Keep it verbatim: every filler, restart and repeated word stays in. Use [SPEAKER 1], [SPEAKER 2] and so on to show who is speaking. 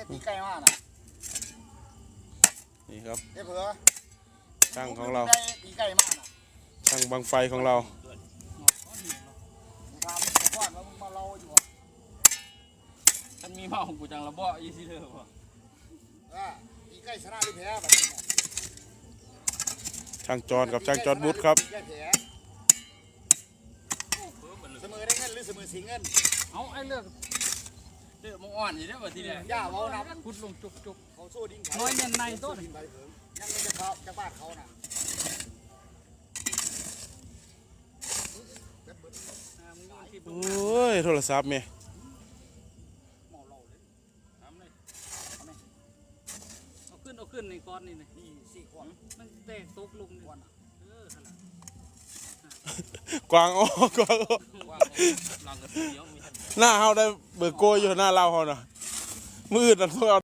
[SPEAKER 1] ตีไก่มากนะ
[SPEAKER 2] นี่ครับ
[SPEAKER 1] เอ้เผื่อ
[SPEAKER 2] ช่างของเรา
[SPEAKER 1] ตีไก่มากนะ
[SPEAKER 2] ช่างบังไฟของเรา
[SPEAKER 1] ถามก่อนว่ามึงมาเล่าอยู่ฉันมีเมาของกูจังระเบาะยี่สิเด้อป่ะอ่าตีไก่ชนะหรือแพ้แบบนี้
[SPEAKER 2] ช่างจอนกับช่างจอนบุตรครับ
[SPEAKER 1] เสมอได้เงินหรือเสมอสีเงินเอาไอ้เลือกเลือกมึงอ่อนอยู่ได้ป่ะทีเดียวย่าเมาน้ำพุดลงจุกจุกเขาสู้ดิ้งน้อยเงินในต้นยังไม่จะเขาจะบ้านเขาน่ะ
[SPEAKER 2] โอ้ยโทรศัพท์เมย์
[SPEAKER 3] เอาขึ้นเอาขึ้นในก้อนนี่นะ
[SPEAKER 1] นี่สี่ขวด
[SPEAKER 3] มันแตกตกลงนี่เออขนาด
[SPEAKER 2] กวางอ้อกวางอ้อหน้าเฮาได้เบิกโกยอยู่หน้าเราเฮาน่ะมืดนั่นพวกเรา